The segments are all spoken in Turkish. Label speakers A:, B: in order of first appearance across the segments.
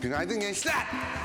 A: Günaydın gençler.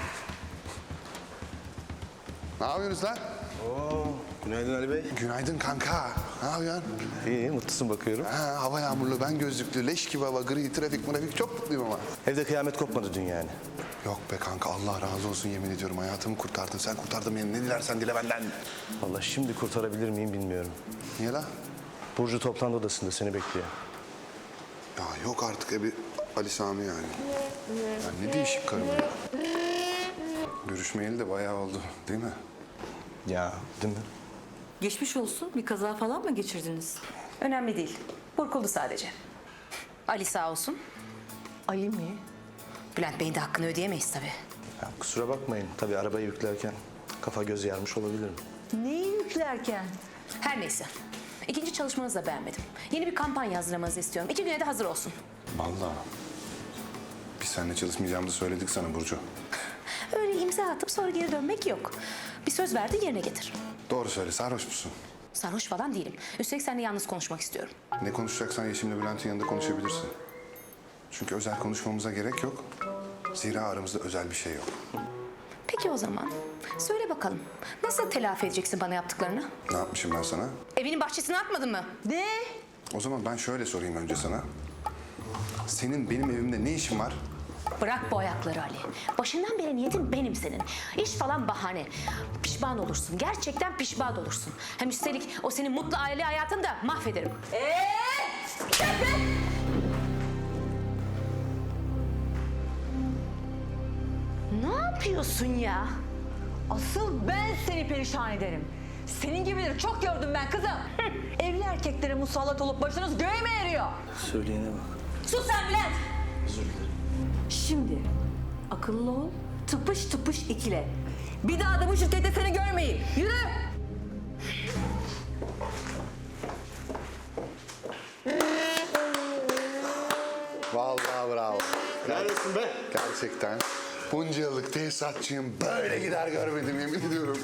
A: Ne yapıyorsunuz lan?
B: Günaydın Ali Bey.
A: Günaydın kanka. Ne yapıyorsun?
B: İyi, mutlusun bakıyorum.
A: Ha, hava yağmurlu, ben gözlüklü, leş gibi hava, gri, trafik, çok mutluyum ama.
B: Evde kıyamet kopmadı dün yani.
A: Yok be kanka, Allah razı olsun yemin ediyorum. Hayatımı kurtardın, sen kurtardın beni. Ne dilersen dile benden.
B: Vallahi şimdi kurtarabilir miyim bilmiyorum.
A: Niye la?
B: Burcu toplantı odasında seni bekliyor.
A: Ya yok artık bir Ali Sami yani. Ya ne değişik karım ya. Görüşmeyeli de bayağı oldu değil mi?
B: Ya, değil mi?
C: Geçmiş olsun. Bir kaza falan mı geçirdiniz?
D: Önemli değil. Burkuldu sadece. Ali sağ olsun.
C: Ali mi?
D: Bülent Bey'in de hakkını ödeyemeyiz tabii.
B: Ya, kusura bakmayın. Tabii arabayı yüklerken kafa göz yarmış olabilirim.
C: Neyi yüklerken?
D: Her neyse. İkinci çalışmanızı da beğenmedim. Yeni bir kampanya hazırlamanızı istiyorum. 2 güne de hazır olsun.
A: Vallahi. Biz seninle çalışmayacağımızı söyledik sana Burcu.
D: Öyle imza atıp sonra geri dönmek yok. Bir söz verdi yerine getir.
A: Doğru söyle, sarhoş musun?
D: Sarhoş falan değilim. Üstelik seninle yalnız konuşmak istiyorum.
A: Ne konuşacaksan Yeşim'le Bülent'in yanında konuşabilirsin. Çünkü özel konuşmamıza gerek yok. Zira aramızda özel bir şey yok.
D: Peki o zaman. Söyle bakalım. Nasıl telafi edeceksin bana yaptıklarını?
A: Ne yapmışım ben sana?
D: Evinin bahçesine atmadın mı?
C: Ne?
A: O zaman ben şöyle sorayım önce sana. Senin benim evimde ne işin var?
D: Bırak bu ayakları Ali. Başından beri niyetin benim senin. İş falan bahane. Pişman olursun. Gerçekten pişman olursun. Hem üstelik o senin mutlu aile hayatını da mahvederim. Ne yapıyorsun ya?
C: Asıl ben seni perişan ederim. Senin gibileri çok gördüm ben kızım. Evli erkeklere musallat olup başınız göğe mi eriyor?
B: Söyleyene bak.
D: Sus sen Bülent!
B: Özür dilerim.
C: Şimdi akıllı ol, tıpış tıpış ikile. Bir daha da bu şirkette seni görmeyin. Yürü!
A: Vallahi bravo.
B: Neredesin be?
A: Gerçekten. Bunca yıllık tesisatçıyım. Böyle gider görmedim yemin ediyorum.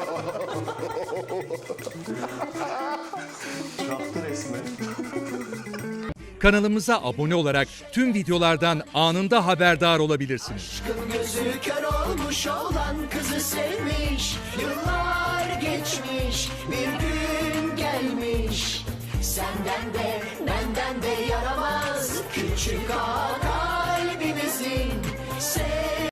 B: Çaktı resmen.
E: Kanalımıza abone olarak tüm videolardan anında haberdar olabilirsiniz.
F: Aşkın gözü kör olmuş olan kızı sevmiş. Yıllar geçmiş, bir gün gelmiş. Senden de benden de yaramaz küçük ağa kalbimizin.